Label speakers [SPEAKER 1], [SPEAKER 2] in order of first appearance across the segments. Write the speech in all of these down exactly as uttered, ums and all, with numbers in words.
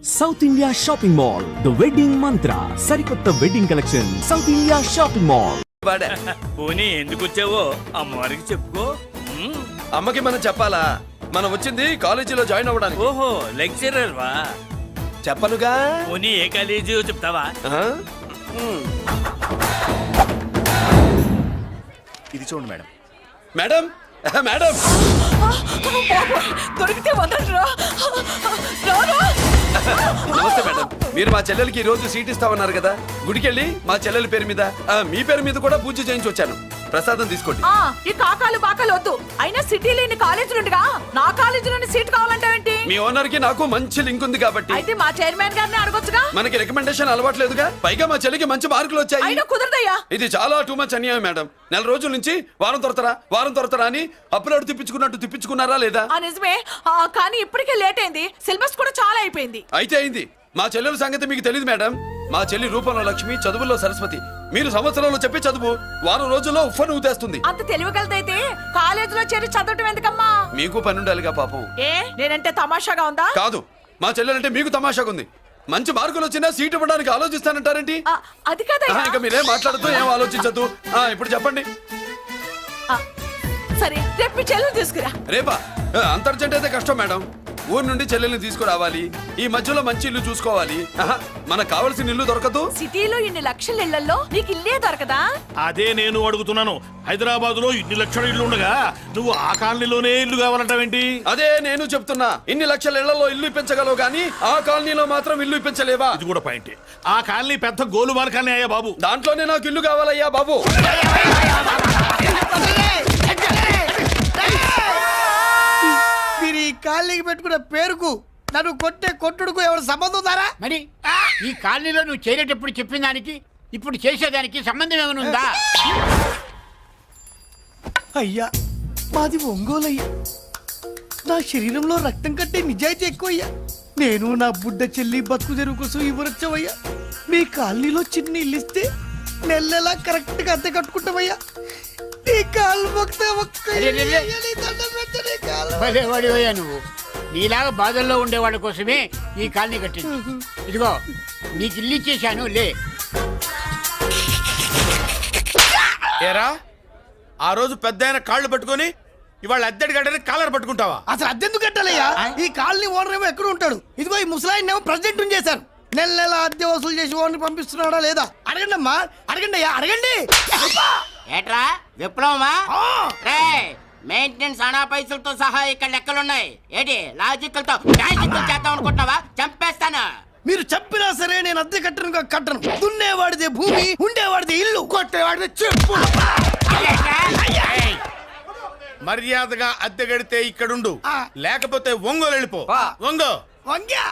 [SPEAKER 1] South India shopping mall the wedding mantra సరికొత్త wedding collection South India shopping mall.
[SPEAKER 2] పోనీ ఎందుకు వచ్చావో అమ్మవారికి చెప్పుకో.
[SPEAKER 3] అమ్మకి మనం చెప్పాలా? మనం వచ్చింది కాలేజీలో జాయిన్ అవ్వడానికి.
[SPEAKER 2] ఓహో లెక్చరర్ వా?
[SPEAKER 3] చెప్పనుగా.
[SPEAKER 2] పోనీ ఏ కాలేజీ చెప్తావా?
[SPEAKER 4] ఇది చూడండి మేడం.
[SPEAKER 3] మేడం మేడం
[SPEAKER 5] దొరికితే వదలరా.
[SPEAKER 3] నమస్తే మేడం. మీరు మా చెల్లెలకి ఈ రోజు సీట్ ఇస్తామన్నారు కదా, గుడికెళ్ళి మా చెల్లెల పేరు మీద ఆ, మీ పేరు మీద కూడా పూజ చేయించి వచ్చాను. ప్రసాదం తీసుకోండి.
[SPEAKER 5] ఆ, ఈ కాకాలు బాకాలు వద్దు. అయినా సిటీలో ఇన్ని కాలేజీలు ఉండగా నా కాలేజీలోని సీట్ కావాలంటావేంటి?
[SPEAKER 3] మీ ఓనర్ కి నాకు మంచి లింక్ ఉంది కాబట్టి.
[SPEAKER 5] అయితే మా చైర్మన్ గారిని అడగొచ్చుగా.
[SPEAKER 3] మనకి రికమెండేషన్ అలవాట్లేదుగా. పైగా మా చెల్లికి మంచి మార్కులు వచ్చాయి.
[SPEAKER 5] అయినా కుదరదయ్యా.
[SPEAKER 3] ఇది చాలా టూ మచ్ అన్యాయం మేడం. నెల రోజుల నుంచి వారం తొరతరా వారం తొరతరా అని అప్లోడ్ తిప్పించుకున్నట్టు తిప్పించుకున్నారా లేదా?
[SPEAKER 5] ఆ నిజమే. ఆ, కానీ ఇప్పటికే లేట్ అయింది. సిలబస్ కూడా చాలా అయిపోయింది.
[SPEAKER 3] అయితే అయింది. మా చెల్లెల సంగతి మీకు తెలియదు మేడం. మా చెల్లి రూపంలో లక్ష్మి, చదువుల్లో సరస్వతి. మీరు సంవత్సరంలో చెప్పే చదువు వారం రోజుల్లో ఉఫ్ఫను ఊతేస్తుంది.
[SPEAKER 5] అంత తెలివిగలదైతే కాలేజీలో చేరి చదవటం ఎందుకమ్మా?
[SPEAKER 3] మీకు పని ఉండాలిగా పాపం.
[SPEAKER 5] ఏ నేనంటే తమాషాగా ఉందా?
[SPEAKER 3] కాదు, మా చెల్లెలంటే మీకు తమాషాగా ఉంది. మంచి మార్కులు వచ్చినా సీట్ ఇవ్వడానికి ఆలోచిస్తానంటారేంటి?
[SPEAKER 5] ఆ, అది కాదయ్యా.
[SPEAKER 3] ఇంకా మీరేం మాట్లాడుతూ ఏం ఆలోచించద్దు. ఇప్పుడు చెప్పండి.
[SPEAKER 5] ఆ, సరే రేపు మీ చెల్లెలు తీసుకురా.
[SPEAKER 3] రేపా? అంత అర్జెంట్ అయితే కష్టం మేడం. ఊరు నుండి చెల్లెల్ని తీసుకురావాలి. ఈ మధ్యలో మంచి ఇల్లు చూసుకోవాలి. ఆహా, మనకు కావలసిన ఇల్లు దొరకదు.
[SPEAKER 5] సిటీలో ఇన్ని లక్షల ఇళ్లలో నీకు ఇల్లే దొరకదా?
[SPEAKER 4] అదే నేను అడుగుతున్నాను. హైదరాబాద్ లో ఇన్ని లక్షల ఇల్లు ఉండగా నువ్వు ఆ కాలనీలోనే ఇల్లు కావాలంటావేంటి?
[SPEAKER 3] అదే నేను చెప్తున్నా. ఇన్ని లక్షల ఇళ్లలో ఇల్లు ఇప్పించగలవు గానీ ఆ కాలనీలో మాత్రం ఇల్లు ఇప్పించలేవా?
[SPEAKER 4] ఇది కూడా పాయింట్. ఆ కాలనీ పెద్ద గోలుమార్ కాలనీ అయ్యా బాబు.
[SPEAKER 3] దాంట్లోనే నాకు ఇల్లు కావాలయ్యా బాబు.
[SPEAKER 6] మీరు ఈ కాలనీకి పెట్టుకున్న పేరుకు నన్ను కొట్టే కొట్టుడుకు ఎవరు సంబంధం ఉందారా?
[SPEAKER 7] మరి ఈ కాలనీలో నువ్వు చేరేటప్పుడు చెప్పిన దానికి ఇప్పుడు చేసేదానికి సంబంధం ఏమైనా ఉందా?
[SPEAKER 6] అయ్యా మాది ఒంగోలు అయ్యా. నా శరీరంలో రక్తం కట్టే నిజాయితీ ఎక్కువ అయ్యా. నేను నా బుడ్డ చెల్లి బతుకు తెరువు కోసం ఇవ్వరొచ్చావయ్యా. మీ కాలనీలో చిన్న ఇల్లు ఇస్తే నెల నెలా కరెక్ట్ గా అద్దె కట్టుకుంటామయ్యా. నీ కాలు మొక్కితే ఒక్క ఇల్లు ఇయ్యాలి, దండం పెట్టు నీ కాలు.
[SPEAKER 7] భలే వాడివయ్యా నువ్వు. నీలాగా బాధల్లో ఉండేవాళ్ళ కోసమే ఈ కాలనీ కట్టింది. ఇదిగో నీకు ఇల్లు ఇచ్చేశాను లే.
[SPEAKER 8] ఏరా, ఆ రోజు పెద్ద ఆయన కాళ్ళు పట్టుకొని ఇవాళ అద్దెడి గడ్డని కాలర్ పట్టుకుంటావా?
[SPEAKER 6] అసలు అద్దెందుకు కట్టాలయ్యా? ఈ కాలనీ ఓనర్ ఏమో ఎక్కడ ఉంటాడు? ఇదిగో ఈ ముసలాయిని ఏమో ప్రెసిడెంట్ చేశారు. నెల నెల అద్దె వసూలు చేసి ఓనర్ పంపిస్తున్నాడా లేదా అడగండి అమ్మా. అడగండి అయ్యా, అడగండి.
[SPEAKER 7] ఏట్రా విప్లవమా? మెయింటెనెన్స్ అనా పైసలతో సహా ఇక్కడ లెక్కలున్నాయి. ఏంటి లాజికల్ తో మ్యాజికల్ చేద్దాం అనుకుంటున్నావా? చంపేస్తాను.
[SPEAKER 6] మీరు చెప్పినా సరే నేను అద్దె కట్టను కట్టను. దున్నేవాడిదే భూమి, ఉండేవాడిదే ఇల్లు, కొట్టేవాడిదే చెప్పు.
[SPEAKER 8] మర్యాదగా అద్దె గడితే ఇక్కడుండు,
[SPEAKER 6] ఆ.
[SPEAKER 8] లేకపోతే ఒంగోలు వెళ్ళిపో. ఒంగో
[SPEAKER 6] వంగ్యా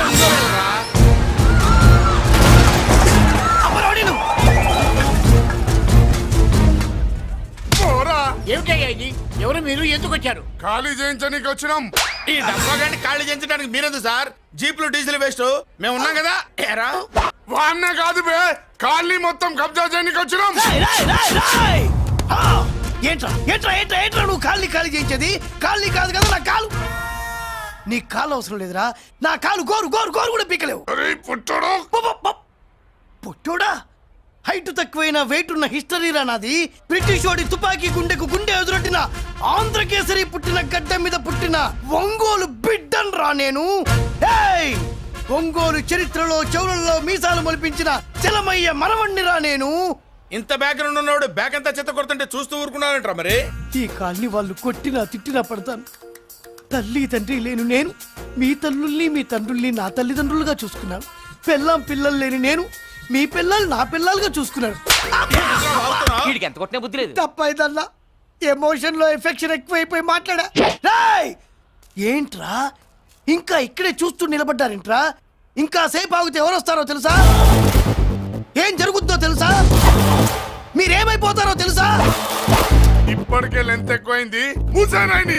[SPEAKER 7] ఏమిటయ్యా ఇది? ఎవరు మీరు? ఎందుకు వచ్చారు?
[SPEAKER 8] ఖాళీ చేయించడానికి వచ్చినాం. ఈ డబ్బా గంట ఖాళీ చేయించడానికి మీరెందు సార్? జీప్లు డీజిల్ వేస్ట్, మేము ఉన్నాం కదా. ఏరా వాన్న కాదు బే, ఖాళీ మొత్తం కబ్జా చేయడానికి వచ్చినాం.
[SPEAKER 6] ఏంట్రా ఏంట్రా ఏంట్రా ఏంట్రా నువ్వు కాళ్ళని ఖాళీ చేయించేది? కాళ్ళని కాదు కదా నా కాలు. నీ కాలు అవసరం లేదురా. నా కాలు గోరు గోరు గోరు కూడా పీకలేవు. పుట్టోడా? హైట్ తక్కువైన వెయిట్ ఉన్న హిస్టరీరా నాది. బ్రిటిష్ వాడి తుపాకీ గుండెకు గుండె ఎదురొట్టిన ఆంధ్రకేసరి పుట్టిన గడ్డ మీద పుట్టిన ఒంగోలు బిడ్డన్ రా నేను. ఏయ్! ఒంగోలు చరిత్రలో చౌరల్లో మీసాలు మొలిపించిన చలమయ్య మనవణ్ణి రా నేను.
[SPEAKER 8] ఇంత బ్యాక్గ్రౌండ్ ఉన్నవాడు బ్యాక్ అంతా చెత్త కొడుతుంటే చూస్తూ ఊరుకున్నానంటారా? మరి
[SPEAKER 6] ఈ కాల్ని వాళ్ళు కొట్టినా తిట్టినా పడతాను. తల్లి తండ్రి లేను నేను మీ తల్లుల్ని మీ తండ్రుల్ని నా తల్లిదండ్రులుగా చూసుకున్నాను. పెళ్ళాం పిల్లలు లేని నేను మీ పిల్లలు నా పిల్లలుగా చూసుకున్నాను.
[SPEAKER 2] ఎంత కొట్టిన బుద్ధి లేదు.
[SPEAKER 6] తప్పైదల్లా ఎమోషన్ లో ఎఫెక్షన్ ఎక్కువైపోయి మాట్లాడా. రేయ్! ఏంట్రా ఇంకా ఇక్కడే చూస్తూ నిలబడ్డారేంట్రా? ఇంకా సేపు ఆగితే ఎవరు వస్తారో తెలుసా? ఏం జరుగుద్దో తెలుసా? మీరేమైపోతారో తెలుసా?
[SPEAKER 8] ఇప్పటికే లెంత్ ఎక్కువైంది. మూసానాయని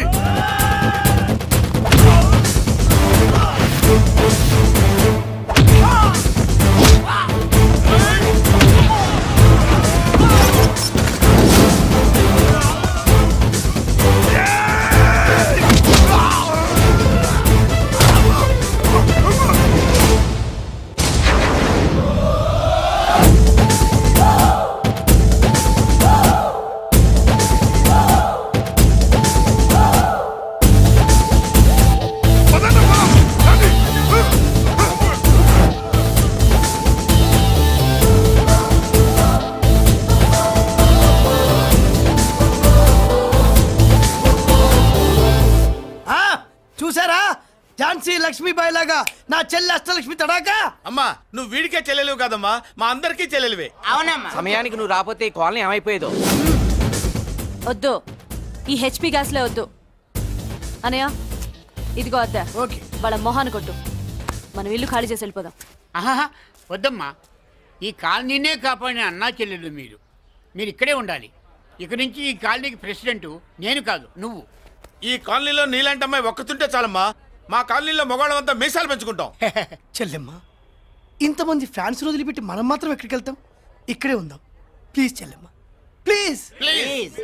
[SPEAKER 6] తడాగా నా చెల్లి అష్టలక్ష్మి తడాగా.
[SPEAKER 8] అమ్మా నువ్వు వీడికే చెల్లెలివి కాదమ్మా, మా అందరికీ చెల్లెలివే.
[SPEAKER 7] అవునమ్మా.
[SPEAKER 9] సమయానికి నువ్వు రాకపోతే ఈ కాలనీ ఏమైపోయేదో.
[SPEAKER 10] వద్దు, ఈ హెచ్పి గ్యాస్లే వద్దు. అనయ్య ఇదిగో అద్దా,
[SPEAKER 6] ఓకే
[SPEAKER 10] వాళ్ళ మొహాన్ని కొట్టు. మనం ఇల్లు ఖాళీ చేసి వెళ్ళిపోదాం.
[SPEAKER 7] ఆహా వద్దమ్మా, ఈ కాలనీనే కాపాడిన అన్నా చెల్లెలు మీరు. మీరు ఇక్కడే ఉండాలి. ఇక నుంచి ఈ కాలనీకి ప్రెసిడెంట్ నేను కాదు, నువ్వు.
[SPEAKER 8] ఈ కాలనీలో నీలాంటి అమ్మాయి ఒక్కతుంటే చాలమ్మా, మా కాలనీలో మగవాళ్ళంతా మీసాలు పెంచుకుంటాం.
[SPEAKER 6] చెల్లెమ్మ, ఇంతమంది ఫ్యాన్స్ వదిలిపెట్టి మనం మాత్రం ఎక్కడికి వెళ్తాం? ఇక్కడే ఉందాం ప్లీజ్ చెల్లెమ్మ, ప్లీజ్.
[SPEAKER 7] ప్లీజ్.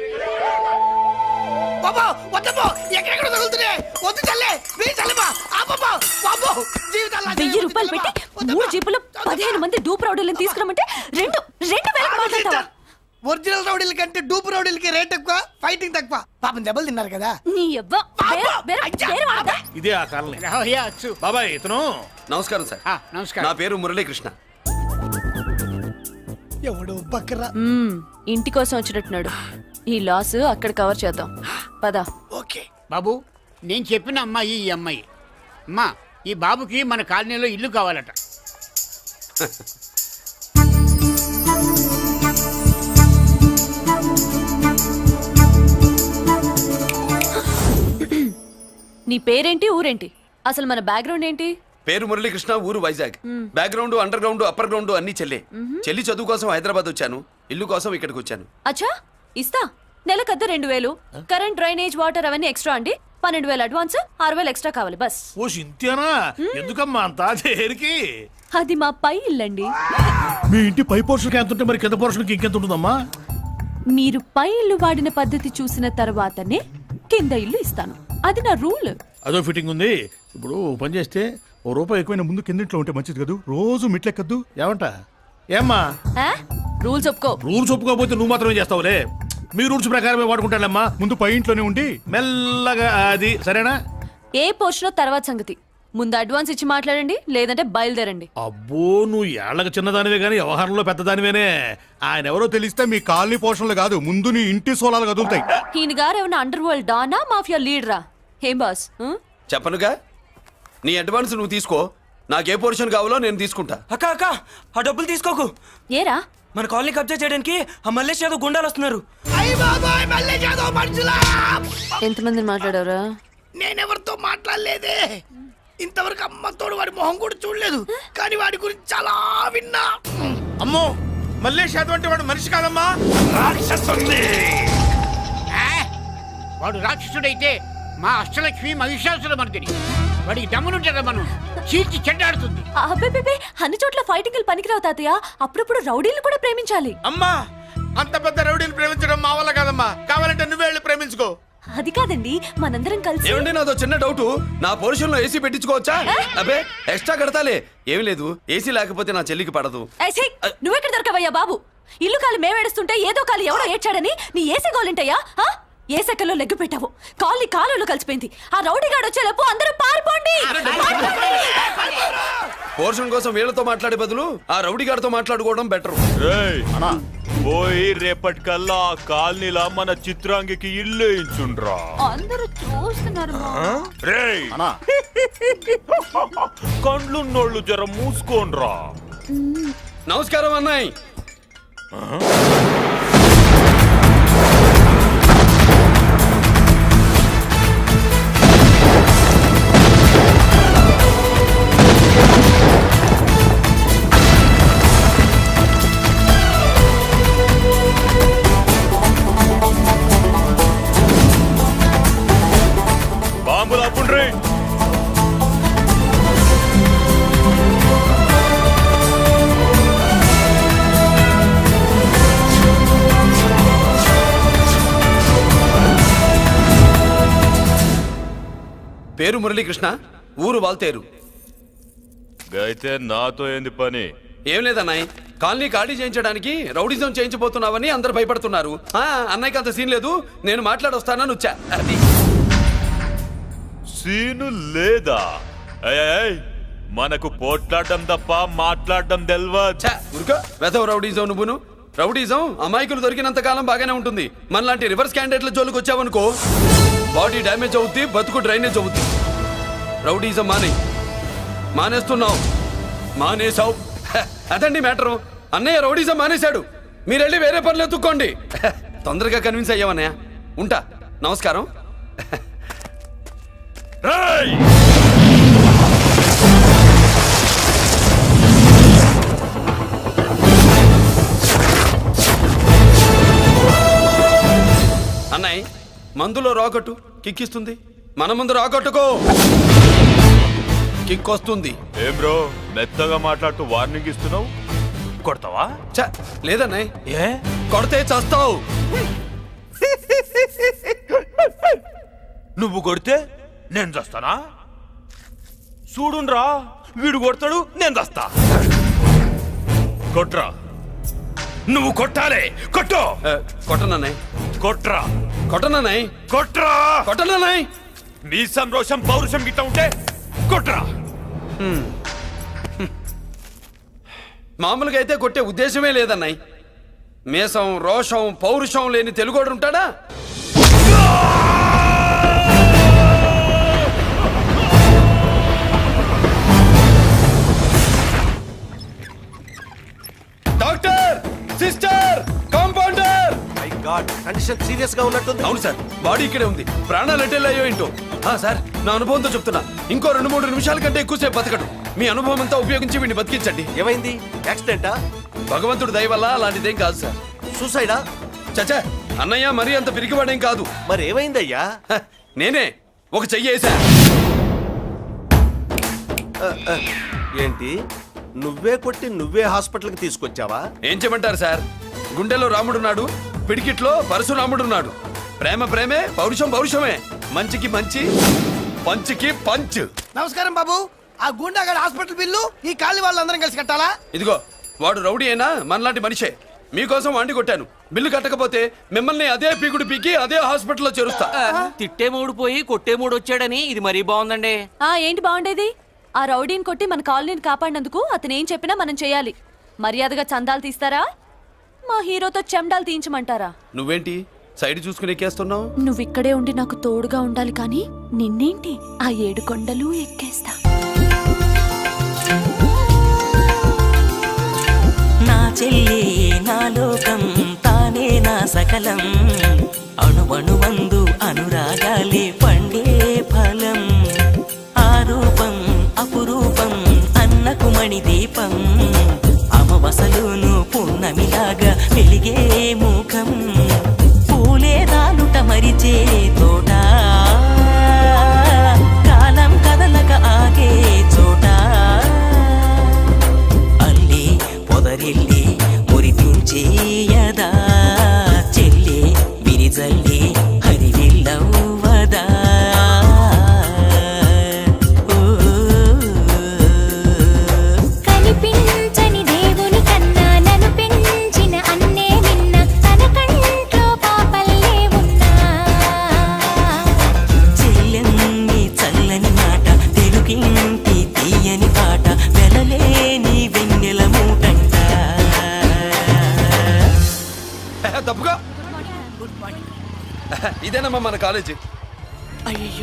[SPEAKER 6] బాబా వద్దమ్మో, ఎక్కడెక్కడ తగులుతున్నాయి, వద్దు చెల్లె, ప్లీజ్ చెల్లెమ్మ. అబ్బబ్బో, బాబో, జీవితాల్లో
[SPEAKER 10] వెయ్యి రూపాయలు పెట్టి మూడు జీపులు పదిహేను మంది డూప్ రౌడీలను తీసుకురమ్మంటే రెండు రెండు వేలకు మాట్లాడతావా?
[SPEAKER 6] ఒరిజినల్ రౌడీల కంటే డూప్ రౌడీలకి రేట్ ఎక్కువ, ఫైటింగ్ తక్కువ. పాపం దెబ్బలు తిన్నారు కదా.
[SPEAKER 10] నీ యవ్వ, వేరే- వేరే- వేరే వాడదా?
[SPEAKER 4] ఇదే ఆ కాలనీ.
[SPEAKER 7] రావయ్యా అచ్చు.
[SPEAKER 4] బాబాయ్ ఇతను
[SPEAKER 3] నమస్కారం సార్.
[SPEAKER 7] ఆ,
[SPEAKER 3] నా
[SPEAKER 7] నమస్కారం.
[SPEAKER 3] పేరు మురళీకృష్ణ.
[SPEAKER 6] ఎవడు బక్కరా.
[SPEAKER 10] మ్మ్, ఇంటి కోసం వచ్చినట్టున్నాడు. ఈ లాస్ అక్కడ కవర్ చేద్దాం పదా.
[SPEAKER 6] ఓకే
[SPEAKER 7] బాబు, నేను చెప్పిన అమ్మాయి ఈ అమ్మాయి. అమ్మా, ఈ బాబుకి మన కాలనీలో ఇల్లు కావాలట.
[SPEAKER 10] నీ పేరేంటి, ఊరేంటి, అసలు మన బ్యాక్గ్రౌండ్ ఏంటి?
[SPEAKER 3] పేరు మురళీకృష్ణ, ఊరు Vizag. Background underground upper ground అన్ని చెల్లె. చెల్లి చదువు కోసం హైదరాబాద్ వచ్చాను, ఇల్లు కోసం ఇక్కడికి వచ్చాను.
[SPEAKER 10] అచ్చా, ఇస్తా. నెలకద్ద రెండు వేలు, కరెంట్, డ్రైనేజ్, వాటర్ అవన్నీ ఎక్స్ట్రా అండి. పన్నెండు వేలు అడ్వాన్స్, ఆరు వేలు ఎక్స్ట్రా కావాలి బస్.
[SPEAKER 4] ఓ సింత్యానా, ఎందుకమ్మా అంత దేనికి?
[SPEAKER 10] అది మా పై ఇల్లండి.
[SPEAKER 4] మీ ఇంటి పై పోర్షన్కి ఎంత ఉంటే మరి కింద పోర్షన్కి ఇంకెంత ఉంటుందమ్మా?
[SPEAKER 10] మీరు పై ఇల్లు వాడిన పద్ధతి చూసిన తర్వాతనే కింద ఇల్లు ఇస్తాను. అది నా రూల్.
[SPEAKER 4] అదో ఫిట్టింగ్ ఉంది. ఇప్పుడు ఓ పని చేస్తే ఓ రూపాయి ఎక్కువైనా ముందు కిందింట్లో ఉంటే మంచిది కదూ, రోజు మిట్లెక్కద్దు. ఏమంట? ఏమ్మా
[SPEAKER 10] రూల్స్ ఒప్పుకో.
[SPEAKER 4] రూల్స్ ఒప్పుకోకపోతే నువ్వు మాత్రమే చేస్తావులే. మీ రూల్స్ ప్రకారమే వాడుకుంటానమ్మా. ముందు పై ఇంట్లోనే ఉండి మెల్లగా అది, సరేనా?
[SPEAKER 10] ఏ పోర్షన్ తర్వాత సంగతి. ముందు అడ్వాన్స్ ఇచ్చి మాట్లాడండి, లేదంటే బయలుదేరండి.
[SPEAKER 4] అబ్బో, నువ్వు ఏళ్ళకి చిన్నదానివే గానీ వ్యవహారంలో పెద్దదానివేనే. ఆయన ఎవరో తెలిస్తే మీ కాలనీ పోషణలు కాదు, ముందు నీ ఇంటి సోలాలు కదులుతాయి.
[SPEAKER 10] ఈయన గారు ఏమన్నా అండర్ వరల్డ్ డానా, మాఫియా లీడరా? ఏం బాస్? ఆ?
[SPEAKER 3] చెప్పనుగా, నీ అడ్వాన్స్ నువ్వు తీసుకో, నాకే పోర్షన్ కావాలో నేను తీసుకుంటా.
[SPEAKER 9] అక్క అక్క, ఆ డబ్బులు తీసుకోకు.
[SPEAKER 10] ఏరా?
[SPEAKER 9] మన కాలనీ కబ్జా చేయడానికి ఆ మల్లేష్ యాదవ్ గుండాలు వస్తున్నారు.
[SPEAKER 6] అయ్య బాబాయ్, మళ్ళీ చదువు మనుషులా.
[SPEAKER 10] ఎంతమందిని మాట్లాడారా?
[SPEAKER 6] నేనెవరితో మాట్లాడలేదే. ఇంతవరకు అమ్మతోడు వాడి మొహం కూడా చూడలేదు, కానీ వాడి గురించి చాలా విన్నా.
[SPEAKER 8] అమ్మో, మల్లేష్ యాదవ్ అంటే వాడు మనిషి కాదమ్మా, రాక్షసుని.
[SPEAKER 7] ఆ, వాడు రాక్షసుడైతే మా అష్టలక్ష్మి మహిషాసుల మర్దిని. వాడికి దమ్మునుంటారా మనం చీల్చి చెడ్డాడుతుంది.
[SPEAKER 10] అబ్బే, అన్ని చోట్ల ఫైటింగ్ పనికిరావు తాతయ్య. అప్పుడప్పుడు రౌడీలు కూడా ప్రేమించాలి.
[SPEAKER 8] అమ్మా, అంత పెద్ద రౌడీని ప్రేమించడం మా వల్ల కాదమ్మా. కావాలంటే నువ్వే వెళ్ళి ప్రేమించుకో.
[SPEAKER 10] అది కాదండి, మనందరం కలిసి.
[SPEAKER 3] ఏమండి, నాదో చిన్న డౌట్. నా పోర్షన్ లో ఏసీ పెట్టించుకోవచ్చా? అబ్బే, ఎక్స్ట్రా కడతాలే. ఏమి లేదు, ఏసీ లేకపోతే నా చెల్లికి పడదు.
[SPEAKER 10] ఏయ్, ఛీ! నువ్వెక్కడ దొరకవయ్యా బాబు? ఇల్లు కాలు మేమేడుస్తుంటే ఏదో కాలు ఎవరో ఏడ్చాడని నీ ఏసీ గోలింటయ్యా? ఆ? ఏ సెకల్లో లెగ్గు పెట్టావు, కాలి కాలులో కలిసిపోయింది. ఆ రౌడీగాడు వచ్చేలోపు అందరూ పారిపోండి.
[SPEAKER 3] పోర్షన్ కోసం వీళ్ళతో మాట్లాడే బదులు ఆ రౌడీ గారితో మాట్లాడుకోవడం బెటర్.
[SPEAKER 11] పోయి రేపటికల్లా ఆ కాలనీలా మన చిత్రాంగికి ఇల్లు ఇచ్చుండ్రా.
[SPEAKER 10] అందరూ చూస్తున్నారు.
[SPEAKER 11] రేయ్, కండ్లున్నోళ్ళు జర మూసుకోండ్రా.
[SPEAKER 3] నమస్కారం అన్నాయ్.
[SPEAKER 11] బాంబులు అప్పుండ్రీ.
[SPEAKER 3] పేరు మురళీకృష్ణ, ఊరు వాల్తేరు.
[SPEAKER 11] అయితే నాతో ఏంది పని?
[SPEAKER 3] ఏం లేదన్నాయ్, కాలనీ ఖాళీ చేయించడానికి రౌడిజం చేయించబోతున్నావని అందరు భయపడుతున్నారు. ఆ, అన్నయ్యకి అంత సీన్ లేదు, నేను మాట్లాడొస్తానని వచ్చా. అది
[SPEAKER 11] సీను లేదా? ఏయ్, ఏయ్, మనకు పోట్లాడడం తప్ప మాట్లాడడం తెల్వా.
[SPEAKER 3] ఉరుక వెధవ రౌడీజం. నువ్వును రౌడీజం అమాయకులు దొరికినంత కాలం బాగానే ఉంటుంది. మనలాంటి రివర్స్ క్యాండిడేట్ల జోలికి వచ్చావనుకో, బాడీ డ్యామేజ్ అవుద్ది, బతుకు డ్రైనేజ్ అవుద్ది. రౌడీజం మానే. మానేస్తున్నావు మానేసావు హ, అదండి మ్యాటరు. అన్నయ్య రౌడీజం మానేశాడు. మీరెళ్ళి వేరే పనులు ఎత్తుక్కోండి. హ, తొందరగా కన్విన్స్ అయ్యావన్నయ్య. ఉంటా. నమస్కారం.
[SPEAKER 11] రేయ్!
[SPEAKER 3] అన్నయ్య మందులో రాకట్టు కిక్కిస్తుంది. మన ముందు రాకట్టుకో కిక్ వస్తుంది.
[SPEAKER 11] ఏం బ్రో మెత్తగా మాట్లాడుతూ వార్నింగ్ ఇస్తున్నావు? కొడతావా?
[SPEAKER 3] చ లేదన్నయ్య,
[SPEAKER 11] ఏ
[SPEAKER 3] కొడితే చస్తావు.
[SPEAKER 11] నువ్వు కొడితే నేను చస్తానా? చూడుండ్రా, వీడు కొడతాడు, నేను చస్తా. కొట్రా, నువ్వు కొట్టాలి. కొట్టు.
[SPEAKER 3] ఆ, కొట్టనన్నయ్య
[SPEAKER 11] కొట్రా,
[SPEAKER 3] కొట్టనన్నయ్య
[SPEAKER 11] కొట్రా.
[SPEAKER 3] కొట్టనన్నయ్య.
[SPEAKER 11] నీ సంతోషం పౌరుషం గిట్ట ఉంటే కొట్రా.
[SPEAKER 3] మామూలుగా అయితే కొట్టే ఉద్దేశమే లేదన్నయ్య. మేషం రోషం పౌరుషం లేని తెలుగోడు ఉంటాడా? Doctor, sister, compounder.
[SPEAKER 6] Condition serious గా ఉన్నట్టుంది.
[SPEAKER 3] అవును సార్, బాడీ ఇక్కడే ఉంది. ప్రాణాలు ఎట్టెళ్ళాయో ఏంటో. ఆ, సార్ నా అనుభవంతో చెప్తున్నా, ఇంకో రెండు మూడు నిమిషాల కంటే ఎక్కువసేపు బతకడు. మీ అనుభవం అంతా ఉపయోగించి వీడిని బతికించండి.
[SPEAKER 6] ఏమైంది? యాక్సిడెంటా?
[SPEAKER 3] భగవంతుడి దయ వల్ల అలాంటిదేం కాదు సార్.
[SPEAKER 6] సూసైడా?
[SPEAKER 3] చచ్చా, అన్నయ్య మరీ అంత పిరికివాడేం కాదు.
[SPEAKER 6] మరి ఏమైందయ్యా?
[SPEAKER 3] హ, నేనే ఒక చెయ్యి వేసా.
[SPEAKER 6] ఏంటి, నువ్వే కొట్టి నువ్వే హాస్పిటల్కి తీసుకొచ్చావా?
[SPEAKER 3] ఏం చేయమంటారు సార్, గుండెలో రాముడున్నాడు, పిడికిట్లో పరశురాముడున్నాడు. ప్రేమ ప్రేమే, పౌరుషం పౌరుషమే. మంచికి మంచి, పంచికి పంచ్.
[SPEAKER 6] నమస్కారం బాబు. ఆ గుండాగడ్ హాస్పిటల్ బిల్లు ఈ కాలి వాళ్ళందరం కలిసి కట్టాలా?
[SPEAKER 3] ఇదిగో, వాడు రౌడీ అయినా మనలాంటి మనిషే. మీకోసం వండి కొట్టాను. బిల్లు కట్టకపోతే మిమ్మల్ని అదే పీకుడు పీకి అదే హాస్పిటల్లో చేరుస్తా.
[SPEAKER 9] తిట్టే మూడు పోయి కొట్టే మూడు వచ్చాడని ఇది మరీ బాగుందండి.
[SPEAKER 10] ఆ ఏంటి బాగుండేది? ఆ రౌడీని కొట్టి మన కాలనీని కాపాడినందుకు అతను ఏం చెప్పినా మనం చేయాలి. మర్యాదగా చందాలు తీస్తారా, మా హీరోతో చెండాలు తీయించమంటారా?
[SPEAKER 3] నువ్వేంటి సైడ్ చూసుకుని ఎక్కేస్తున్నావు?
[SPEAKER 10] నువ్వు ఇక్కడే ఉండి నాకు తోడుగా ఉండాలి, కానీ నిన్నేంటి ఆ ఏడు కొండలు ఎక్కేస్తా.
[SPEAKER 12] నా చెల్లి నా లోకం, తానే నా సకలం. అణువణువందు అనురాగాలే పండే ఫలం. ఆరూపం అపురూపం అన్నకు మణి దీపం. అమవసలును పున్నమిలాగా వెలిగే ముఖం. పూలే రాలుట మరిచే తోట, కాలం కదలక ఆగే చోట. అల్లి పొదరిల్లి మురిపించేయదా, చెల్లి విరిజల్లి హరివిల్లవ్వదా.
[SPEAKER 10] కనిపించని దేవుని కన్నా నన్ను పెంచిన అన్నే నిన్న, తన కంట్లో పాపల్లే ఉన్నా.
[SPEAKER 12] చెల్లెన్ని చల్లని మాట, తెలుగింటి తీయని పాట, వెలలేని వెన్నెల మూటంట.
[SPEAKER 3] తప్పుగా. ఇదేనమ్మా మన కాలేజీ.
[SPEAKER 5] అయ్యో,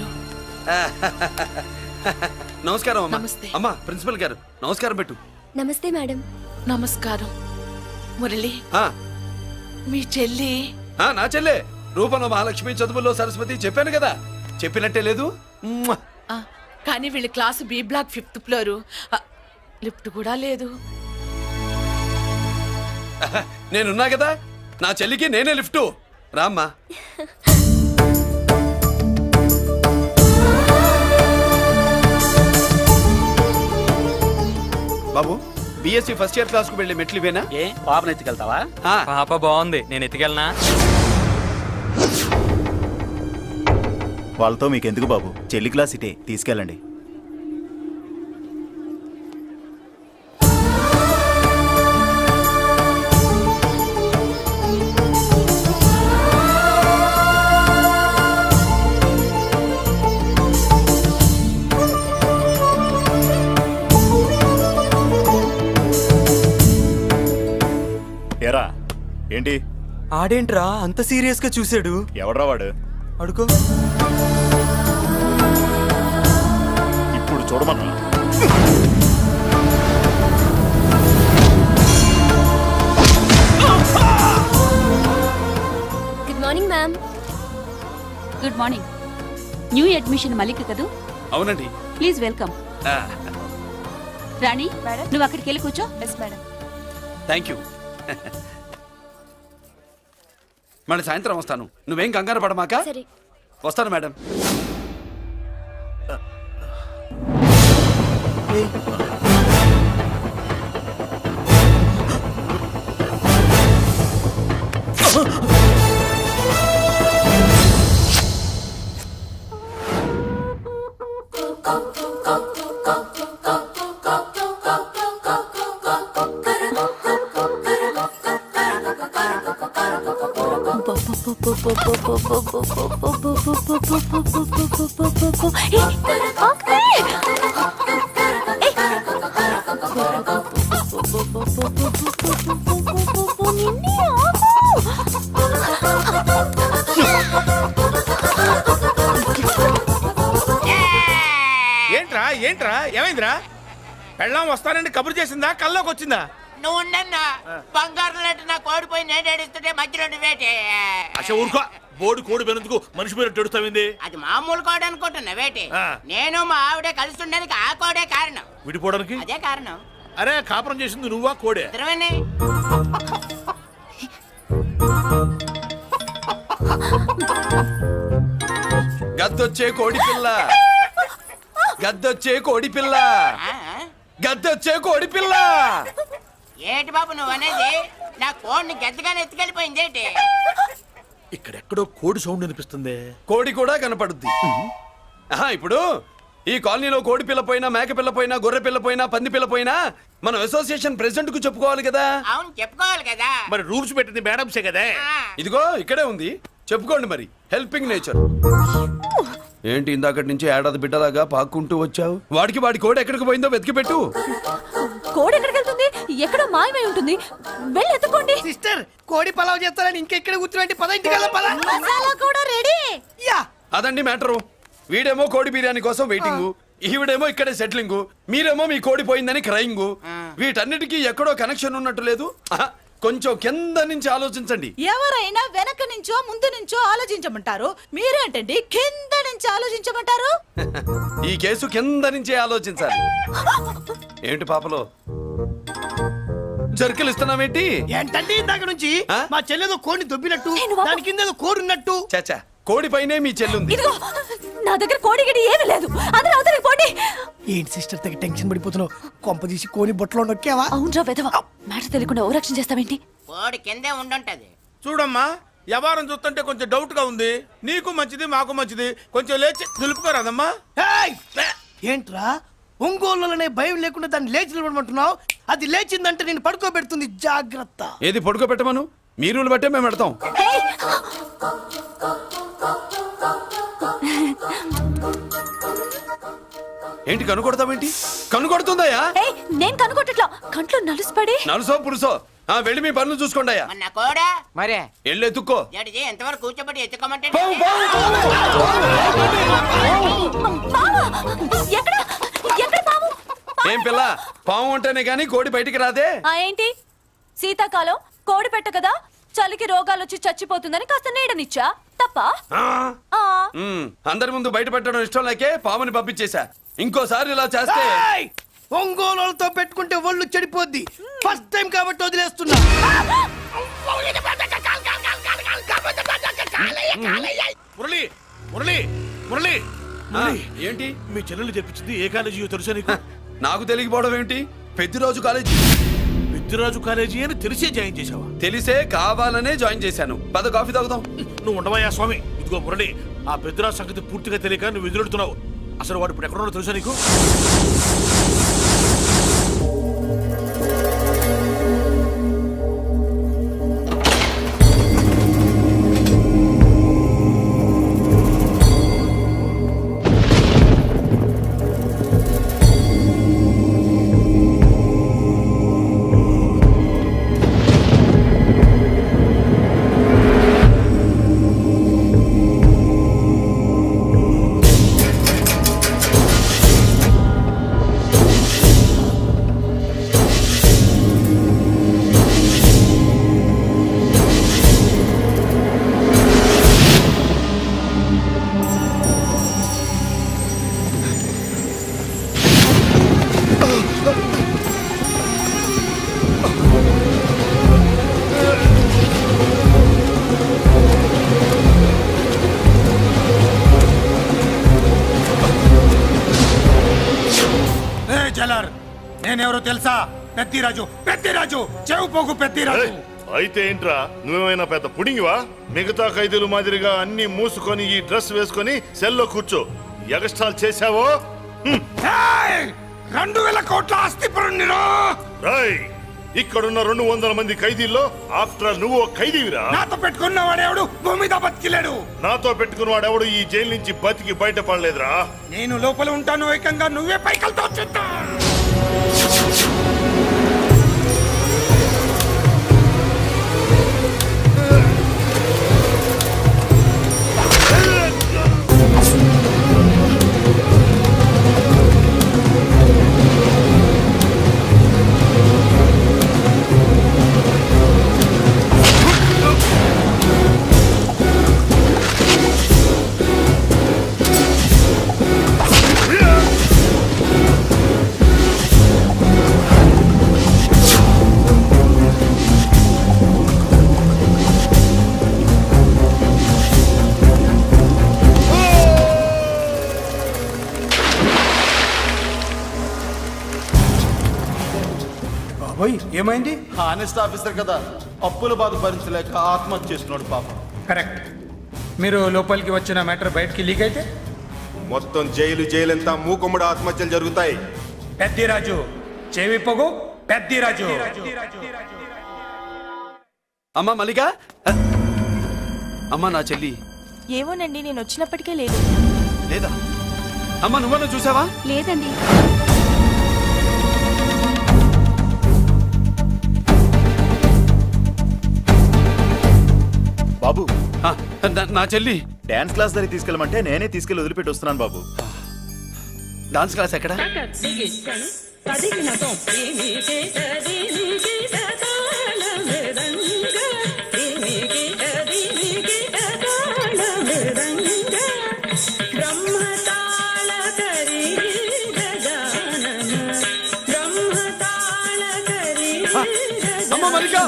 [SPEAKER 3] నమస్కారం అమ్మా.
[SPEAKER 5] నమస్తే.
[SPEAKER 3] అమ్మా ప్రిన్సిపల్ గారు నమస్కారం పెట్టు.
[SPEAKER 10] నమస్తే మేడం.
[SPEAKER 5] నమస్కారం. మురళి,
[SPEAKER 3] ఆ,
[SPEAKER 5] మీ చెల్లి
[SPEAKER 3] ఆ, నా చెల్లె రూపంలో మహాలక్ష్మి, చదువుల్లో సరస్వతి. చెప్పాను కదా, చెప్పినట్టే లేదు. మ్మ్.
[SPEAKER 5] ఆ, కానీ వీళ్ళ class B block fifth floor. ఆ, లిఫ్ట్ కూడా లేదు.
[SPEAKER 3] నేనున్నా కదా, నా చెల్లికి నేనే లిఫ్ట్. రామ్మా. బాబు, బిఎస్సి ఫస్ట్ ఇయర్ క్లాస్ కు వెళ్ళి మెట్లు ఇవేనా?
[SPEAKER 9] ఏ పాపను ఎత్తుకెళ్తావా?
[SPEAKER 3] ఆ.
[SPEAKER 9] పాప బాగుంది, నేను ఎత్తుకెళ్ళనా?
[SPEAKER 13] వాళ్ళతో మీకెందుకు బాబు, చెల్లి క్లాస్ ఇటే, తీసుకెళ్ళండి. ఎరా ఏంటి?
[SPEAKER 9] ఆడేంట్రా అంత సీరియస్ గా చూసాడు?
[SPEAKER 13] ఎవడ్రా వాడు?
[SPEAKER 9] అడుకో.
[SPEAKER 13] ఇప్పుడు చూడమన్నా.
[SPEAKER 10] Good morning ma'am.
[SPEAKER 5] Good morning. New admission Malik కదూ?
[SPEAKER 3] అవునండి.
[SPEAKER 5] Please welcome.
[SPEAKER 3] ఆ,
[SPEAKER 5] రాణి, నువ్వు అక్కడికి వెళ్ళి కూర్చో.
[SPEAKER 10] Yes madam.
[SPEAKER 3] Thank you. మళ్ళీ సాయంత్రం వస్తాను, నువ్వేం కంగారు పడమాక.
[SPEAKER 10] సరే.
[SPEAKER 3] వస్తాను మేడం.
[SPEAKER 8] ఏంట్రా ఏంట్రా ఏమైందిరా? పెళ్ళాం వస్తానండి కబురు చేసిందా, కల్లోకి వచ్చిందా?
[SPEAKER 7] నువ్వు ఉండన్నా బంగారం లాంటి నా కోడిపోయి నేను ఏడుస్తుంటే మధ్యలో నువ్వేటే.
[SPEAKER 4] అసలు ఊరుకో, బోర్డు కోడి పెనందుకు మనిషి పేరు ఎడుతావింది.
[SPEAKER 7] అది మామూలు కోడి అనుకుంటున్నా వేటి.
[SPEAKER 4] ఆ.
[SPEAKER 7] నేను మా ఆవిడే కలిసి ఉండడానికి ఆ కోడే కారణం.
[SPEAKER 4] విడిపోవడానికి
[SPEAKER 7] అదే కారణం.
[SPEAKER 4] అరే కాపురం చేసింది నువ్వా కోడే?
[SPEAKER 7] ఇద్దరమేనే.
[SPEAKER 3] గద్దొచ్చే కోడి పిల్ల, గద్దొచ్చే కోడి పిల్ల,
[SPEAKER 7] ఆ?
[SPEAKER 3] గద్దొచ్చే కోడి పిల్ల.
[SPEAKER 7] ఏటి బాబు నువ్వు అనేది? నా కోడిని గద్దగానే ఎత్తుకెళ్ళిపోయింది ఏంటి?
[SPEAKER 4] ఇక్కడెక్కడో కోడి సౌండ్ అనిపిస్తుంది.
[SPEAKER 3] కోడి కూడా కనపడుద్ది. ఆహా, ఇప్పుడు ఈ కాలనీలో కోడి పిల్ల పోయినా, మేక పిల్ల పోయినా, గొర్రె పిల్ల పోయినా, పంది పిల్ల పోయినా మనం అసోసియేషన్ ప్రెసిడెంట్ కు చెప్పుకోవాలి కదా.
[SPEAKER 7] అవును చెప్పుకోవాలి కదా.
[SPEAKER 4] మరి రూల్స్ పెట్టింది మేడంసే కదా.
[SPEAKER 7] ఆ.
[SPEAKER 3] ఇదిగో ఇక్కడే ఉంది, చెప్పుకోండి మరి. Helping nature. ఏంటి ఇందాకటి నుంచి ఏడాది బిడ్డలాగా పాక్కుంటూ వచ్చావు? వాడికి వాడి కోడి ఎక్కడికి పోయిందో వెతికి పెట్టు.
[SPEAKER 10] కోడి ఎక్కడికి వెళ్తుంది? ఎక్కడో మాయమై ఉంటుంది. వెళ్ళి ఎత్తుకోండి.
[SPEAKER 6] సిస్టర్, కోడి పలావ్ చేస్తారని ఇంకెక్కడ కూర్చోండి. పద ఇంటికి వెళ్దాం, పద.
[SPEAKER 10] మసాలా కూడా రెడీ.
[SPEAKER 6] యా.
[SPEAKER 3] అదండి మ్యాటరు. వీడేమో కోడి బిర్యానీ కోసం వెయిటింగ్, ఈవిడేమో ఇక్కడే సెటిలింగ్, మీరేమో మీ కోడి పోయిందని క్రయింగ్. వీటన్నిటికీ ఎక్కడో కనెక్షన్ ఉన్నట్టు లేదు. ఆహా, కొంచెం కింద నుంచి ఆలోచించండి.
[SPEAKER 5] ఎవరైనా వెనక నుంచో ముందు నుంచో ఆలోచించమంటారు, మీరేంటండి కింద నుంచి ఆలోచించమంటారు?
[SPEAKER 3] ఈ కేసు కింద నుంచే ఆలోచించాలి. ఏంటి పాపలో జర్కలు ఇస్తున్నావేంటి?
[SPEAKER 6] ఏంటండి ఇందాక నుంచి
[SPEAKER 3] ఆ?
[SPEAKER 6] మా చెల్లెదో కోడిని దొబ్బినట్టు,
[SPEAKER 10] నేను బాబు.
[SPEAKER 6] దాని కింద ఏదో కోడి ఉన్నట్టు.
[SPEAKER 3] చాచా, కోడి పైనే మీ చెల్లుంది.
[SPEAKER 10] ఇదిగో నా దగ్గర కోడి గిడి ఏమీ లేదు. అందరూ అవతలికి పోండి.
[SPEAKER 6] ఏంటి సిస్టర్ తెగ టెన్షన్ పడిపోతున్నావు? కొంప తీసి కోడి బొట్టలో నొక్కావా?
[SPEAKER 10] అవునరా వెధవ, మాట తెలియకుండా ఓ రక్షణ చేస్తావేంటి?
[SPEAKER 7] కోడి కిందే ఉండుంటది.
[SPEAKER 8] చూడమ్మా, వ్యవహారం చూస్తుంటే కొంచెం డౌట్ గా ఉంది. నీకు మంచిది మాకు మంచిది, కొంచెం లేచి నిలుపుకోరాదమ్మా.
[SPEAKER 6] ఏయ్! ఏంట్రా ఒంగోలులోనే భయం లేకుండా దాన్ని లేచి నిలబడమంటున్నావు? అది లేచిందంటే నేను పడుకోబెడుతుంది, జాగ్రత్త.
[SPEAKER 3] ఏది పడుకోబెట్టమను, మీ రూల్ బట్టే మేము పెడతాం.
[SPEAKER 10] ఏయ్!
[SPEAKER 3] ఏంటి కనుకొడతావేంటి? కనుకొడుతుందయ్యా?
[SPEAKER 10] ఏయ్, నేను కనుగొట్టట్లా, కంట్లో నలుసుపడి.
[SPEAKER 3] నలుసో పురుసో, ఆ వెళ్ళి మీ పనులు చూసుకోండి అయ్యా.
[SPEAKER 7] మన కోడా
[SPEAKER 9] మరే
[SPEAKER 3] వెళ్ళి ఎత్తుక్కో.
[SPEAKER 7] జడిజీ ఎంతవరకు కూర్చోబెట్టి ఎత్తుకోమంటే
[SPEAKER 3] పావు, పావు,
[SPEAKER 10] పావా! ఎక్కడ ఎక్కడ పాము?
[SPEAKER 3] ఏం పిల్ల, పాము అంటేనే గాని కోడి బయటికి రాదే.
[SPEAKER 10] ఆ ఏంటి, శీతాకాలం కోడి పెట్ట కదా, చలికి రోగాలు వచ్చి చచ్చిపోతుందని కాస్త నీడనిచ్చా, తప్ప?
[SPEAKER 3] ఆ?
[SPEAKER 10] ఆ,
[SPEAKER 3] ఉమ్, అందరి ముందు బయట పెట్టడం ఇష్టం లేకే పాముని పంపించేశా. ఇంకోసారి ఇలా చేస్తే
[SPEAKER 6] ఏయ్! ఒంగోలులతో పెట్టుకుంటే ఒళ్ళు చెడిపోద్ది. ఫస్ట్ టైం కాబట్టి వదిలేస్తున్నా.
[SPEAKER 4] మురళి మురళి మురళి
[SPEAKER 3] ఆ, ఏంటి
[SPEAKER 4] మీ చెల్లెలు చెప్పించింది ఏ కాలేజీ తెలుసా నీకు?
[SPEAKER 3] నాకు తెలియకపోవడం ఏంటి? పెద్దిరాజు కాలేజీ.
[SPEAKER 4] పెద్దిరాజు కాలేజీ అని తెలిసే జాయిన్ చేసావా?
[SPEAKER 3] తెలిసే కావాలనే జాయిన్ చేశాను. పద కాఫీ తాగుదాం.
[SPEAKER 4] నువ్వు ఉండవయ్యా స్వామి. ఇదిగో మురళి, ఆ పెద్దిరాజు సంగతి పూర్తిగా తెలియక నువ్వు ఎదురెడుతున్నావు. అసలు వాడు ఇప్పుడు ఎక్కడున్నాడో తెలుసా నీకు?
[SPEAKER 8] పెద్దిరాజు పెద్దిరాజు చెవు పోగు పెద్దిరాజు.
[SPEAKER 11] అయితే ఏంట్రా నువ్వేమైనా పెద్ద పుడింగివా? మిగతా ఖైదీలు మాదిరిగా అన్ని మూసుకొని ఈ డ్రెస్ వేసుకొని సెల్లో కూర్చో. ఎగస్ట్రాల్ చేశావో
[SPEAKER 8] ఏయ్! రెండు వేల కోట్ల ఆస్తి పరుణ్ణిరో.
[SPEAKER 11] రాయ్, ఇక్కడున్న రెండు వందల మంది ఖైదీల్లో ఆఫ్టర్ ఆల్ నువ్వు ఒక ఖైదీవిరా.
[SPEAKER 8] నాతో పెట్టుకున్న వాడేవాడు భూమి మీద బతికిలేడు.
[SPEAKER 11] నాతో పెట్టుకున్న వాడెవడు ఈ జైలు నుంచి బతికి బయటపడలేదురా.
[SPEAKER 8] నేను లోపల ఉంటాను, ఏకంగా నువ్వే పైకలతో చూస్తా.
[SPEAKER 3] ఏమైంది?
[SPEAKER 14] హానెస్ట్ ఆఫీసర్ కదా, అప్పుల బాధ భరించలేక ఆత్మహత్య చేసుకున్నాడు పాపం.
[SPEAKER 8] కరెక్ట్. మీరు లోపలికి వచ్చిన మ్యాటర్ బయటికి లీక్ అయితే
[SPEAKER 14] మొత్తం జైలు జైలంతా మూకుమ్మడి ఆత్మహత్యలు జరుగుతాయి.
[SPEAKER 8] పెద్దిరాజు చెవి పొగు పెద్దిరాజు.
[SPEAKER 3] అమ్మా మల్లిక, అమ్మా నా చెల్లి
[SPEAKER 10] ఏమోనండి, నేను వచ్చినప్పటికే లేదు.
[SPEAKER 3] లేదా? అమ్మా నువ్వన్నా చూసావా?
[SPEAKER 10] లేదండి.
[SPEAKER 13] బాబు,
[SPEAKER 3] ఆ, నా- నా చెల్లి
[SPEAKER 13] డాన్స్ క్లాస్ దగ్గర తీసుకెళ్ళమంటే నేనే తీసుకెళ్ళి వదిలిపెట్టి వస్తున్నాను బాబు.
[SPEAKER 3] డాన్స్ క్లాస్ ఎక్కడ? అమ్మ మల్లిక,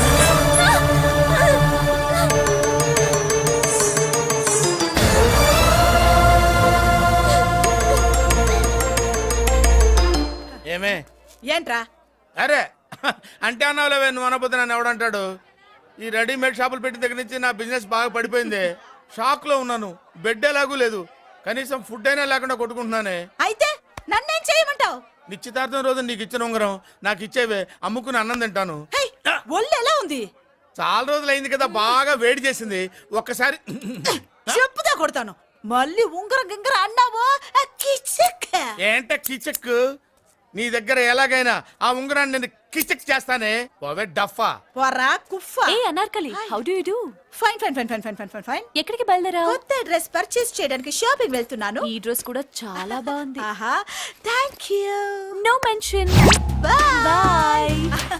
[SPEAKER 8] ఏమే
[SPEAKER 5] ఏంట్రా?
[SPEAKER 8] అరే అంటే అన్నావులేవే, నువ్వు అనబోతే నన్ను ఎవడంటాడు. ఈ రెడీమేడ్ షాపులు పెట్టిన దగ్గర నుంచి నా బిజినెస్ బాగా పడిపోయింది. షాక్ లో ఉన్నాను, బెడ్ ఎలాగూ లేదు, కనీసం ఫుడ్ అయినా లేకుండా కొట్టుకుంటున్నానే.
[SPEAKER 5] అయితే నన్నేం చేయమంటావు?
[SPEAKER 8] నిశ్చితార్థం రోజు నీకు ఇచ్చిన ఉంగరం నాకు ఇచ్చేవే, అమ్ముకుని అన్నం తింటాను.
[SPEAKER 5] ఒళ్ళు ఎలా ఉంది?
[SPEAKER 8] చాలా రోజులు అయింది కదా, బాగా వేడి చేసింది. ఒక్కసారి
[SPEAKER 5] చెప్పుదా కొడతాను. మళ్ళీ ఉంగరం గింగర అన్నావో
[SPEAKER 8] ఏంట కిచక్. నీ దగ్గర ఎలాగైనా ఆ ఉంగరాన్ని నేను కిచక్ చేస్తానే. పోవే డఫా.
[SPEAKER 5] పోరా కుఫా.
[SPEAKER 10] ఏ Anarkali, how do you do?
[SPEAKER 5] Fine fine fine fine fine fine fine fine.
[SPEAKER 10] ఎక్కడికి బయలుదేరావు?
[SPEAKER 5] కొత్త డ్రెస్ పర్చేస్ చేయడానికి షాపింగ్ వెళ్తున్నాను.
[SPEAKER 10] ఈ డ్రెస్ కూడా చాలా బాగుంది.
[SPEAKER 5] ఆహా, thank you.
[SPEAKER 10] No mention.
[SPEAKER 5] Bye
[SPEAKER 10] bye.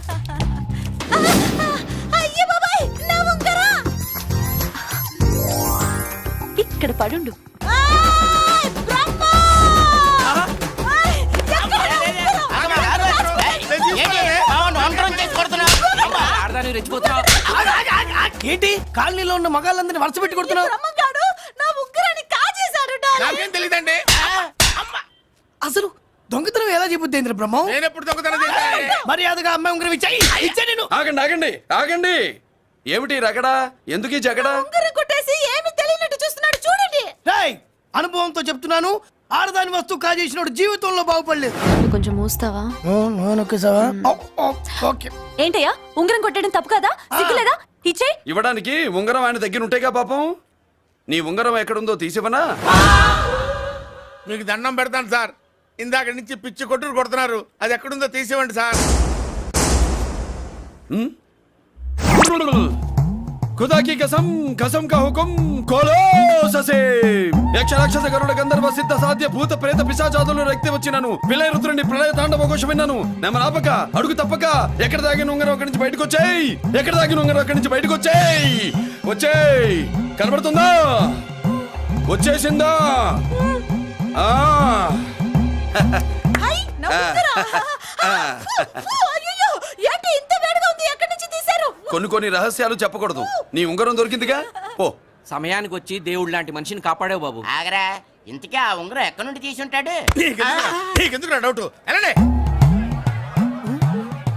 [SPEAKER 5] అయ్యో బాబాయ్, నా ఉంగరం.
[SPEAKER 10] ఇక్కడ పడుండు.
[SPEAKER 5] ఆయ్, బ్రహ్మ! ఆయ్, ఎక్కడ నా
[SPEAKER 6] ఏంటి కాలనీలో ఉన్న మగాళ్ళందరినీ వరుస పెట్టి కొడుతున్నావు?
[SPEAKER 5] బ్రహ్మంగాడు నా ఉంగరాన్ని కాజేశాడు డార్లింగ్.
[SPEAKER 8] నాకేం తెలియదండి.
[SPEAKER 6] అసలు దొంగతనం ఎలా చెబుద్ది బ్రహ్మం?
[SPEAKER 8] నేను ఎప్పుడు దొంగతనం చేశాను?
[SPEAKER 6] మర్యాదగా అమ్మాయి ఉంగరం ఇచ్చాయి. ఇచ్చా నేను.
[SPEAKER 3] ఆగండి ఆగండి ఆగండి. ఏమిటి రగడా? ఎందుకు ఈ జగడా?
[SPEAKER 5] ఉంగరం కొట్టేసి ఏమీ తెలియనట్టు చూస్తున్నాడు చూడండి.
[SPEAKER 6] రేయ్, అనుభవంతో చెప్తున్నాను, ఆడదాని వస్తువు కాజేసినోడు జీవితంలో బాగుపడలేదు.
[SPEAKER 10] కొంచెం మూస్తావా?
[SPEAKER 6] ఓకే.
[SPEAKER 10] ఏంటయ్యా, ఉంగరం కొట్టడం తప్పు కదా? సిగ్గులేదా? ఇచ్చే.
[SPEAKER 3] ఇవ్వడానికి ఉంగరం ఆయన దగ్గర ఉంటేగా పాపం. నీ ఉంగరం ఎక్కడుందో తీసివనా?
[SPEAKER 8] మీకు దండం పెడతాను సార్, ఇందాక నుంచి పిచ్చి కొట్టుడు కొడుతున్నారు. అది ఎక్కడుందో తీసివ్వండి సార్.
[SPEAKER 3] खुदा की कसम कसम का हुकुम खोलो ससे యక్ష రాక్షస గరుడ గంధర్వ సిద్ధ సాధ్య భూత ప్రేత పిశాచాదులు రక్తి వచ్చినాను విలయ రుద్రుని ప్రళయ తాండవ ఘోష విన్నాను. నెమలాపక అడుగు తప్పక ఎక్కడ దాగిన ఉంగరం అక్కడి నుంచి బయటకు వచ్చేయ్. ఎక్కడ దాగిన ఉంగరం అక్కడి నుంచి బయటకు వచ్చేయ్. వచ్చేయ్. కనబడుతుందా? వచ్చేసిందా? ఆ
[SPEAKER 5] హై, నా ఉంగరం. అయ్యో, ఏంటి ఇంత వేడిగా ఉంది? ఎక్కడి నుంచి తీశారు?
[SPEAKER 3] కొన్ని కొన్ని రహస్యాలు చెప్పకూడదు. నీ ఉంగరం దొరికిందిగా, పో.
[SPEAKER 9] సమయానికి వచ్చి దేవుడు లాంటి మనిషిని కాపాడావు బాబు.
[SPEAKER 7] ఆగరా, ఇంతకీ ఆ ఉంగరం ఎక్కడి నుండి తీసి ఉంటాడు?
[SPEAKER 8] నీకెందుకు డౌట్? వెళ్ళండి.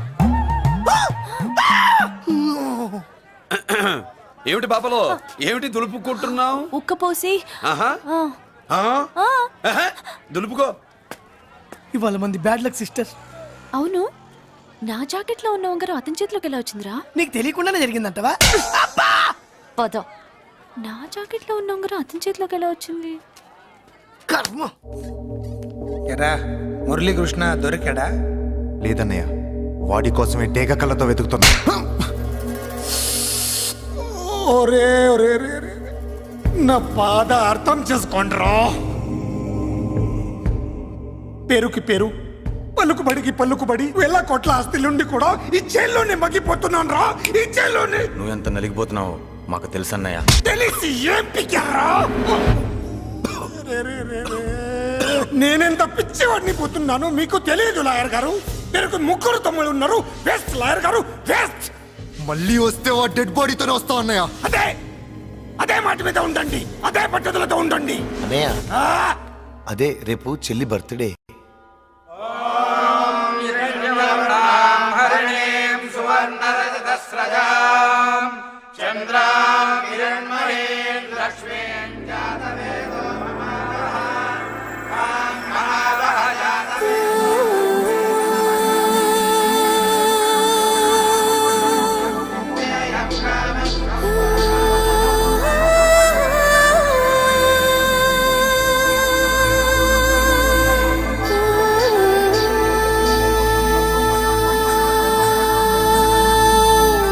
[SPEAKER 3] ఏమిటి పాపలో ఏమిటి దులుపుకుంటున్నావు?
[SPEAKER 10] ఉక్కపోసి
[SPEAKER 3] ఆహా
[SPEAKER 10] ఆ,
[SPEAKER 3] ఆ?
[SPEAKER 10] ఆ,
[SPEAKER 3] ఆహా, దులుపుకో.
[SPEAKER 6] ఇవాళ మంది బ్యాడ్ లక్ సిస్టర్.
[SPEAKER 10] అవును నా జాకెట్ లో ఉన్న ఉంగరం అతని చేతిలోకి ఎలా వచ్చిందిరా?
[SPEAKER 6] నీకు తెలియకుండానే జరిగిందంటవా?
[SPEAKER 10] పద. నా జాకెట్ లో ఉన్న ఉంగరం అతని చేతిలోకి ఎలా వచ్చింది?
[SPEAKER 6] కర్మ.
[SPEAKER 15] ఎరా మురళీకృష్ణ దొరికాడా?
[SPEAKER 13] లేదన్నయ్య, వాడి కోసమే డేగ కళ్ళతో వెతుకుతున్నా.
[SPEAKER 15] ఒరే ఒరే ఒరే ఒరే. నా బాధ అర్థం చేసుకోండిరా. పేరుకి పేరు, పలుకుబడికి పలుకుబడి వేల కోట్ల ఆస్తిలుండి కూడా ఈ జైల్లోనే మగ్గిపోతున్నాను రా, ఈ జైల్లోనే.
[SPEAKER 13] నువ్వెంత నలిగిపోతున్నావు మాకు తెలుసన్నయ్య.
[SPEAKER 15] తెలిసి ఏం పిక్కారా? నేనెంత పిచ్చివాడిని పోతున్నాను మీకు తెలియదు లాయర్ గారు. పేరుకు ముగ్గురు తమ్ముళ్ళు ఉన్నారు. వేస్ట్ లాయర్ గారు, వేస్ట్.
[SPEAKER 13] మళ్ళీ వస్తే ఆ డెడ్ బాడీతోనే వస్తావు అన్నయ్య.
[SPEAKER 15] అదే అదే మాట మీద ఉండండి, అదే పద్ధతులతో ఉండండి.
[SPEAKER 13] అన్నయ్య
[SPEAKER 15] ఆ!
[SPEAKER 13] అదే రేపు చెల్లి బర్త్డే.
[SPEAKER 8] చంద్రా